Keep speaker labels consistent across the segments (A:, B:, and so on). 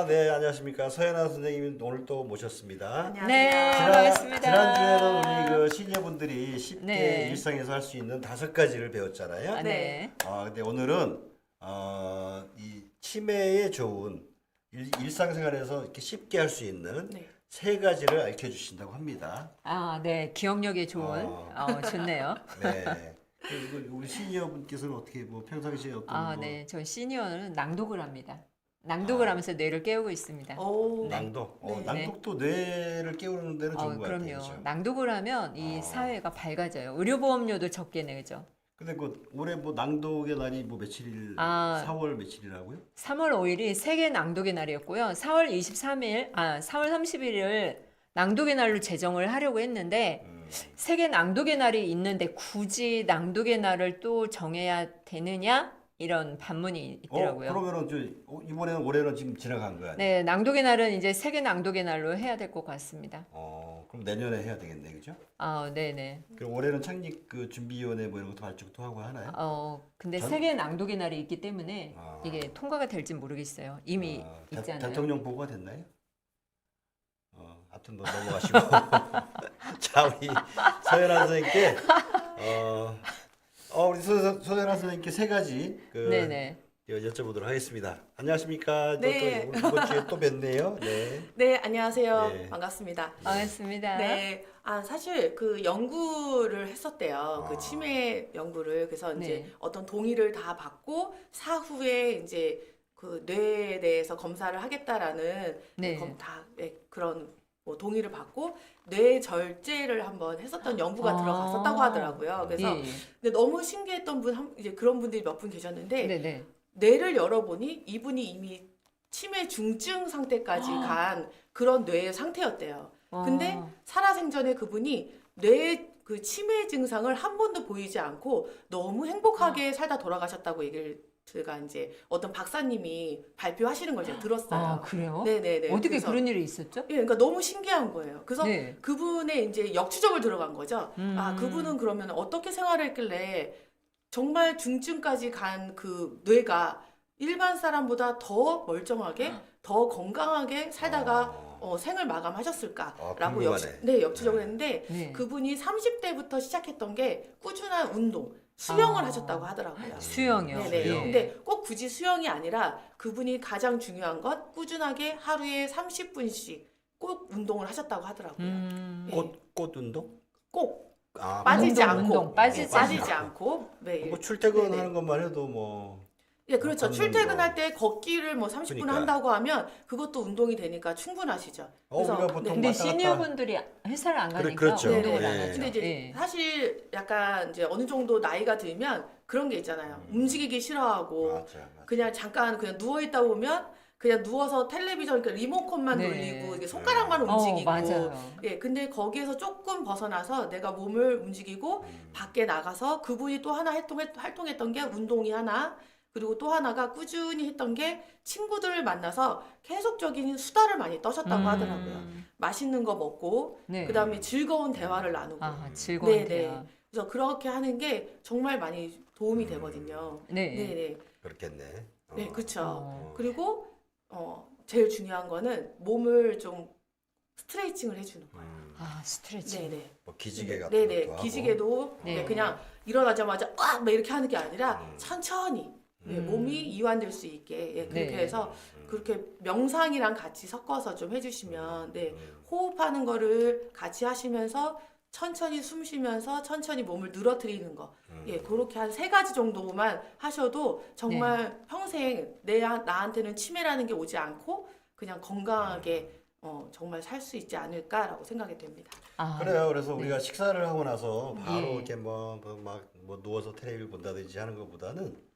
A: 네, 안녕하십니까. 서연아 선생님 오늘 또 모셨습니다.
B: 안녕하세요.
C: 네, 반갑습니다.
A: 지난주에는 우리 그 시니어분들이 쉽게
C: 네.
A: 일상에서 할 수 있는 5가지를 배웠잖아요.
C: 아, 네.
A: 근데 오늘은 이 치매에 좋은 일상생활에서 이렇게 쉽게 할 수 있는
B: 네.
A: 3가지를 알려주신다고 합니다.
C: 아, 네. 기억력이 좋은. 좋네요.
A: 네. 그리고 우리 시니어분께서는 어떻게 뭐 평상시에 어떤
C: 아,
A: 뭐
C: 네. 저 시니어는 낭독을 합니다. 낭독을 하면서 뇌를 깨우고 있습니다.
B: 오,
A: 낭독.
C: 네.
A: 낭독도 뇌를 깨우는 데는 좋은 것 같아요.
C: 그럼요.
A: 그렇죠?
C: 낭독을 하면 이 사회가 밝아져요. 의료보험료도 적게 내죠.
A: 근데 그 올해 뭐 낭독의 날이 뭐 며칠일?
C: 아.
A: 4월 며칠이라고요?
C: 3월 5일이 세계 낭독의 날이었고요. 4월 30일을 낭독의 날로 제정을 하려고 했는데 세계 낭독의 날이 있는데 굳이 낭독의 날을 또 정해야 되느냐? 이런 반문이 있더라고요.
A: 그러면은 이번에는 올해는 지금 지나간 거야.
C: 네, 낭독의 날은 이제 세계 낭독의 날로 해야 될 것 같습니다.
A: 그럼 내년에 해야 되겠네, 그죠?
C: 네네.
A: 그럼 올해는 창립 그 준비위원회 뭐 이런 것도 발족도 하고 하나요?
C: 근데
A: 전-
C: 세계 낭독의 날이 있기 때문에
A: 아.
C: 이게 통과가 될지 모르겠어요. 이미 있잖아요.
A: 대통령 보고가 됐나요? 아무튼 뭐 넘어가시고 자 우리 서연아 선생님께 우리 서연아 선생님께 3가지
C: 네네.
A: 여쭤보도록 하겠습니다. 안녕하십니까?
B: 네.
A: 또 이번 주에 또 뵀네요. 네.
B: 네, 안녕하세요.
A: 네.
B: 반갑습니다.
C: 반갑습니다.
B: 네, 사실 그 연구를 했었대요. 그 치매 연구를. 그래서 이제
C: 네.
B: 어떤 동의를 다 받고 사후에 이제 그 뇌에 대해서 검사를 하겠다라는
C: 네.
B: 그런 뭐 동의를 받고 뇌 절제를 한번 했었던 연구가 들어갔었다고 하더라고요. 그래서
C: 예, 예.
B: 근데 너무 신기했던 이제 그런 분들이 몇 분 계셨는데
C: 네네.
B: 뇌를 열어보니 이분이 이미 치매 중증 상태까지 간 그런 뇌의 상태였대요. 근데 살아생전에 그분이 뇌 그 치매 증상을 한 번도 보이지 않고 너무 행복하게 살다 돌아가셨다고 얘기를 제가 이제 어떤 박사님이 발표하시는 걸 제가 들었어요.
C: 그래요?
B: 네네네.
C: 어떻게
B: 그래서
C: 그런 일이 있었죠?
B: 예, 그러니까 너무 신기한 거예요. 그래서
C: 네.
B: 그분의 이제 역추적을 들어간 거죠. 그분은 그러면 어떻게 생활을 했길래 정말 중증까지 간 그 뇌가 일반 사람보다 더 멀쩡하게, 더 건강하게 살다가 생을 마감하셨을까라고
A: 궁금하네.
B: 역추적을 했는데
C: 네.
B: 그분이 30대부터 시작했던 게 꾸준한 운동, 수영을 하셨다고 하더라고요.
C: 수영이요.
B: 네네.
A: 수영.
B: 근데 꼭 굳이 수영이 아니라 그분이 가장 중요한 건 꾸준하게 하루에 30분씩 꼭 운동을 하셨다고 하더라고요. 예.
A: 꽃 운동?
B: 꼭
A: 아,
B: 빠지지
C: 운동,
B: 않고
C: 운동, 빠지지
B: 빠지지 않고 매일.
A: 뭐 출퇴근하는
B: 네네.
A: 것만 해도 뭐
B: 예, 그렇죠.
A: 걷는
B: 출퇴근할
A: 거.
B: 때 걷기를 뭐 30분
A: 그러니까.
B: 한다고 하면 그것도 운동이 되니까 충분하시죠. 그래서
A: 우리가 보통
C: 근데
A: 왔다 갔다
C: 시니어분들이 회사를 안 가니까
A: 그렇죠.
C: 운동을
B: 네네.
C: 안
A: 예.
C: 하죠.
B: 근데 이제
C: 예.
B: 사실 약간 이제 어느 정도 나이가 들면 그런 게 있잖아요. 움직이기 싫어하고
A: 맞아.
B: 그냥 잠깐 그냥 누워 있다 보면 그냥 누워서 텔레비전 그러니까 리모컨만
C: 네.
B: 돌리고 이게 손가락만 움직이고
C: 맞아요.
B: 예, 근데 거기에서 조금 벗어나서 내가 몸을 움직이고 밖에 나가서 그분이 또 하나 활동했던 게 운동이 하나 그리고 또 하나가 꾸준히 했던 게 친구들을 만나서 계속적인 수다를 많이 떠셨다고 하더라고요. 맛있는 거 먹고
C: 네.
B: 그다음에 즐거운 대화를 나누고
C: 즐거운
B: 네네.
C: 대화.
B: 그래서 그렇게 하는 게 정말 많이 도움이 되거든요.
C: 네.
B: 네네.
A: 그렇겠네.
B: 네, 그렇죠.
C: 어.
B: 그리고 제일 중요한 거는 몸을 좀 스트레칭을 해주는 거예요.
C: 스트레칭.
B: 네네.
A: 뭐 기지개 같은
B: 네네.
A: 것도 하고.
B: 기지개도
C: 네.
B: 그냥 일어나자마자 막 이렇게 하는 게 아니라 천천히 몸이 이완될 수 있게 그렇게
C: 네.
B: 해서 그렇게 명상이랑 같이 섞어서 좀 해주시면 호흡하는 거를 같이 하시면서 천천히 숨 쉬면서 천천히 몸을 늘어뜨리는 거 그렇게 한 3가지 정도만 하셔도 정말 평생 나한테는 치매라는 게 오지 않고 그냥 건강하게 정말 살 수 있지 않을까라고 생각이 됩니다.
A: 그래요. 그래서 우리가 식사를 하고 나서 바로
C: 예.
A: 이렇게 뭐 누워서 텔레비를 본다든지 하는 것보다는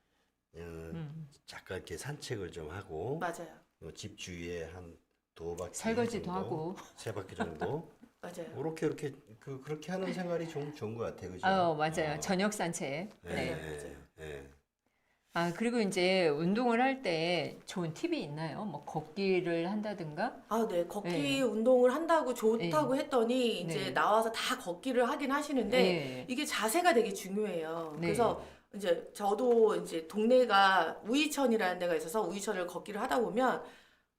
A: 잠깐 이렇게 산책을 좀 하고
B: 맞아요.
A: 집 주위에 한 2바퀴
C: 설거지도
A: 정도,
C: 하고.
A: 3바퀴 정도
B: 맞아요.
A: 이렇게 그렇게 하는 생활이 좋은 것 같아요. 그죠?
C: 맞아요. 저녁 산책. 네.
B: 맞아요.
A: 네.
C: 그리고 이제 운동을 할 때 좋은 팁이 있나요? 뭐 걷기를 한다든가?
B: 네. 걷기
C: 네.
B: 운동을 한다고 좋다고 했더니 이제
C: 네.
B: 나와서 다 걷기를 하긴 하시는데
C: 네.
B: 이게 자세가 되게 중요해요.
C: 네.
B: 그래서 이제 저도 이제 동네가 우이천이라는 데가 있어서 우이천을 걷기를 하다 보면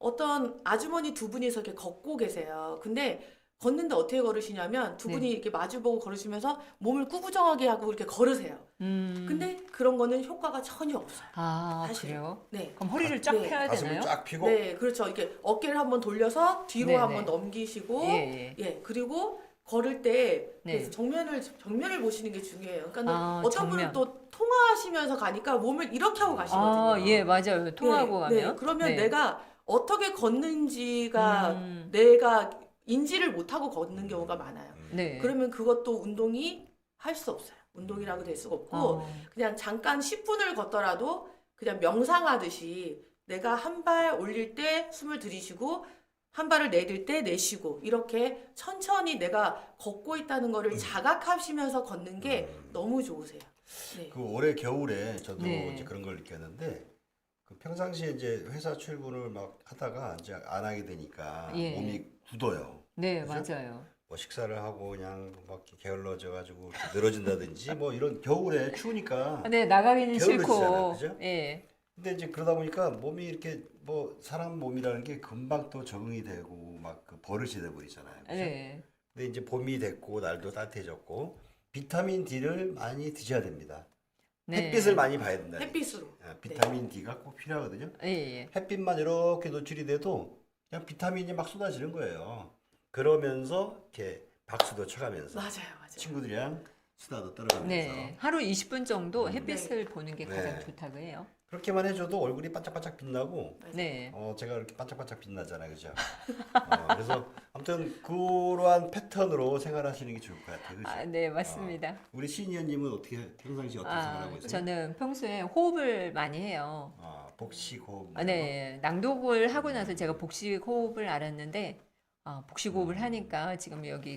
B: 어떤 아주머니 두 분이서 이렇게 걷고 계세요. 근데 걷는데 어떻게 걸으시냐면 두 분이
C: 네.
B: 이렇게 마주보고 걸으시면서 몸을 구부정하게 하고 이렇게 걸으세요. 근데 그런 거는 효과가 전혀 없어요.
C: 아,
B: 사실.
C: 그래요?
B: 네.
C: 그럼 허리를 쫙
B: 네.
C: 펴야
A: 가슴을
C: 되나요?
A: 쫙 펴고
B: 네, 그렇죠. 이게 어깨를 한번 돌려서 뒤로
C: 네,
B: 한번
C: 네.
B: 넘기시고,
C: 예, 예.
B: 예, 그리고 걸을 때
C: 네.
B: 그래서 정면을 보시는 게 중요해요. 그러니까
C: 아,
B: 어떤 분은
C: 정면.
B: 또 통화하시면서 가니까 몸을 이렇게 하고 가시거든요.
C: 아, 예, 맞아요. 통하고
B: 네,
C: 가면.
B: 네. 그러면
C: 네.
B: 내가 어떻게 걷는지가
C: 음,
B: 내가 인지를 못하고 걷는 경우가 많아요.
C: 네.
B: 그러면 그것도 운동이 할 수 없어요. 운동이라고 될 수가 없고
C: 어,
B: 그냥 잠깐 10분을 걷더라도 그냥 명상하듯이 내가 한 발 올릴 때 숨을 들이쉬고 한 발을 내릴 때 내쉬고 이렇게 천천히 내가 걷고 있다는 거를 자각하시면서 걷는 게 너무 좋으세요. 네.
A: 그 올해 겨울에 저도
C: 네.
A: 이제 그런 걸 느꼈는데 그 평상시에 이제 회사 출근을 막 하다가 이제 안 하게 되니까
C: 예.
A: 몸이 굳어요.
C: 네,
A: 그죠?
C: 맞아요.
A: 뭐 식사를 하고 그냥 막 이렇게 게을러져 가지고 늘어진다든지 뭐 이런 겨울에 추우니까
C: 네, 나가기는
A: 게을러지잖아요,
C: 싫고.
A: 그죠?
C: 예.
A: 근데 이제 그러다 보니까 몸이 이렇게 뭐 사람 몸이라는 게 금방 또 적응이 되고 막 그 버릇이 돼 버리잖아요. 그죠?
C: 네.
A: 근데 이제 봄이 됐고 날도 따뜻해졌고 비타민 D를 많이 드셔야 됩니다.
C: 네.
A: 햇빛을 많이 봐야 된다.
B: 햇빛으로.
A: 비타민 D가 꼭 필요하거든요.
C: 예, 예.
A: 햇빛만 이렇게 노출이 돼도 그냥 비타민이 막 쏟아지는 거예요. 그러면서 이렇게 박수도 쳐가면서
B: 맞아요, 맞아요.
A: 친구들이랑 수다도 떨어가면서
C: 네. 하루 20분 정도 햇빛을 보는 게 가장
A: 네.
C: 좋다고 해요.
A: 그렇게만 해줘도 얼굴이 반짝반짝 빛나고
C: 네.
A: 제가 이렇게 반짝반짝 빛나잖아요, 그죠? 그래서 아무튼 그러한 패턴으로 생활하시는 게 좋을 것 같아요, 그죠?
C: 아, 네, 맞습니다.
A: 우리 시니어님은 어떻게 평상시 어떻게 생활하고 있어요?
C: 저는 평소에 호흡을 많이 해요.
A: 복식 호흡.
C: 네, 낭독을 하고 나서 제가 복식 호흡을 알았는데, 복식 호흡을 하니까 지금 여기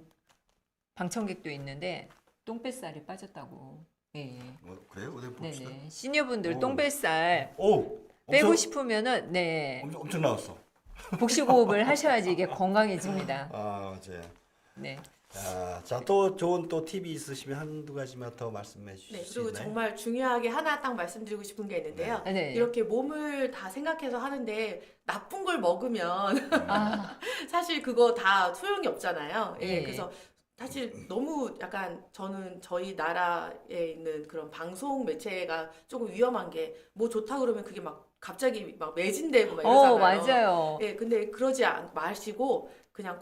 C: 방청객도 있는데 똥뱃살이 빠졌다고. 예.
A: 그래요? 어디 봅시다.
C: 네네. 시니어분들
A: 오.
C: 똥뱃살
A: 오,
C: 빼고
A: 엄청,
C: 싶으면은 네
A: 엄청 나왔어.
C: 복식 호흡을 하셔야지 이게 건강해집니다.
A: 네.
C: 네.
A: 자, 또 좋은 또 팁이 있으시면 한두 가지만 더 말씀해 주실
B: 네,
A: 수
B: 그리고
A: 있나요?
B: 정말 중요하게 하나 딱 말씀드리고 싶은 게 있는데요.
C: 네.
B: 이렇게 몸을 다 생각해서 하는데 나쁜 걸 먹으면
C: 아,
B: 사실 그거 다 소용이 없잖아요. 예,
C: 예.
B: 그래서 사실 너무 약간 저는 저희 나라에 있는 그런 방송 매체가 조금 위험한 게 뭐 좋다 그러면 그게 막 갑자기 막 매진되고 막 이러잖아요.
C: 맞아요.
B: 예, 근데 그러지 마시고 그냥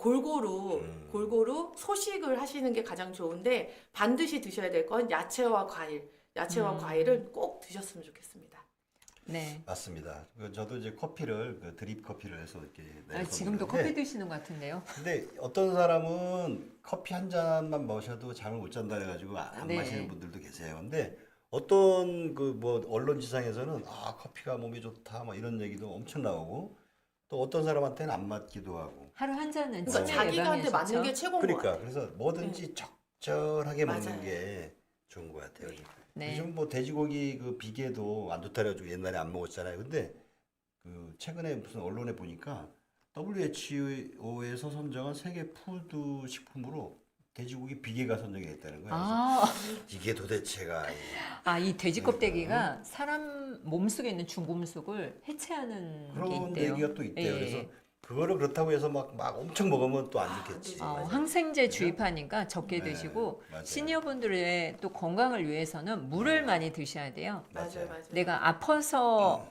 B: 골고루 소식을 하시는 게 가장 좋은데 반드시 드셔야 될 건 야채와 과일. 야채와 과일은 꼭 드셨으면 좋겠습니다.
C: 네.
A: 맞습니다. 저도 이제 커피를 드립 커피를 해서 이렇게 내서
C: 지금도
A: 먹는데
C: 커피 드시는 것 같은데요.
A: 근데 어떤 사람은 커피 한 잔만 마셔도 잠을 못 잔다 해가지고 안
C: 네.
A: 마시는 분들도 계세요. 근데 어떤 그 뭐 언론지상에서는 커피가 몸에 좋다 막 이런 얘기도 엄청 나오고 또 어떤 사람한테는 안 맞기도 하고.
C: 하루 한 잔은
B: 그러니까
C: 진짜
B: 자기한테
C: 예방에
B: 맞는 게
C: 좋죠.
B: 최고인 것
A: 그러니까
B: 같아요.
A: 그래서 뭐든지 적절하게 먹는
B: 맞아요.
A: 게 좋은 것 같아요.
C: 네.
A: 요즘 뭐 돼지고기 그 비계도 안 좋다 그래가지고 옛날에 안 먹었잖아요. 근데 그 최근에 무슨 언론에 보니까 WHO에서 선정한 세계 푸드 식품으로 돼지고기 비계가 선정이 됐다는 거예요. 그래서 이게 도대체가
C: 이 돼지 껍데기가 사람 몸속에 있는 중금속을 해체하는 게
A: 그런
C: 있대요.
A: 얘기가 또 있대요.
C: 예.
A: 그래서 그거를 그렇다고 해서 막 엄청 먹으면 또 안 좋겠지.
B: 맞아요.
C: 항생제 주입하니까 적게
A: 네,
C: 드시고
A: 맞아요.
C: 시니어분들의 또 건강을 위해서는 물을 많이 드셔야 돼요.
B: 맞아요.
C: 내가 아파서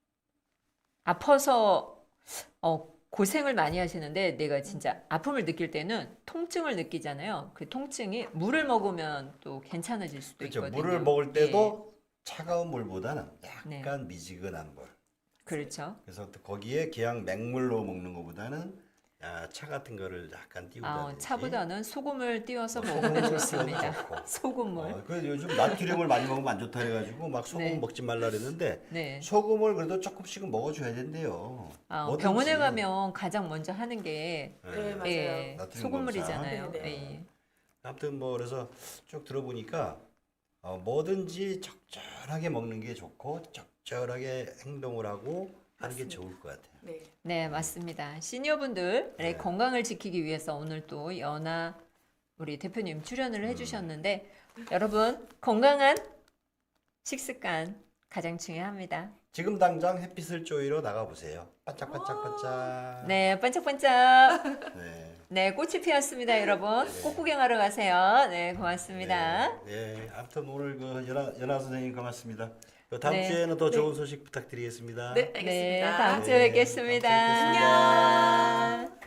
C: 고생을 많이 하시는데 내가 진짜 아픔을 느낄 때는 통증을 느끼잖아요. 그 통증이 물을 먹으면 또 괜찮아질 수도
A: 그렇죠.
C: 있거든요.
A: 물을 먹을 때도 차가운 물보다는
C: 네.
A: 약간 미지근한 물.
C: 그렇죠.
A: 그래서 또 거기에 그냥 맹물로 먹는 것보다는 차 같은 거를 약간 띄우다든지.
C: 차보다는 소금을 띄워서
A: 소금을
C: 먹으면
A: 띄워도
C: 좋습니다.
A: 좋고.
C: 소금물.
A: 그 요즘 나트륨을 많이 먹으면 안 좋다 해가지고 막 소금
C: 네.
A: 먹지 말라 그랬는데
C: 네.
A: 소금을 그래도 조금씩은 먹어줘야 된대요. 뭐든지.
C: 병원에 가면 가장 먼저 하는 게
B: 네, 맞아요.
C: 예,
A: 나트륨
C: 소금물이잖아요.
B: 검사. 네,
C: 예.
A: 아무튼 뭐 그래서 쭉 들어보니까 뭐든지 적절하게 먹는 게 좋고 적절하게 행동을 하고 하는 게
B: 맞습니다.
A: 좋을 것 같아요.
B: 네.
C: 네, 맞습니다. 시니어분들의
A: 네.
C: 건강을 지키기 위해서 오늘 또 연아 우리 대표님 출연을 해주셨는데 여러분 건강한 식습관 가장 중요합니다.
A: 지금 당장 햇빛을 쪼이러 나가보세요. 반짝반짝반짝.
C: 네, 반짝반짝.
A: 네.
C: 네, 꽃이 피었습니다, 여러분. 꽃 구경하러 가세요. 네, 고맙습니다.
A: 네. 아무튼 오늘 그 연아 선생님 고맙습니다. 다음
C: 네.
A: 주에는 더 좋은 소식 부탁드리겠습니다.
B: 네, 알겠습니다.
C: 네, 다음 주에
A: 네,
C: 뵙겠습니다.
A: 다음 주에 뵙겠습니다.
C: 안녕.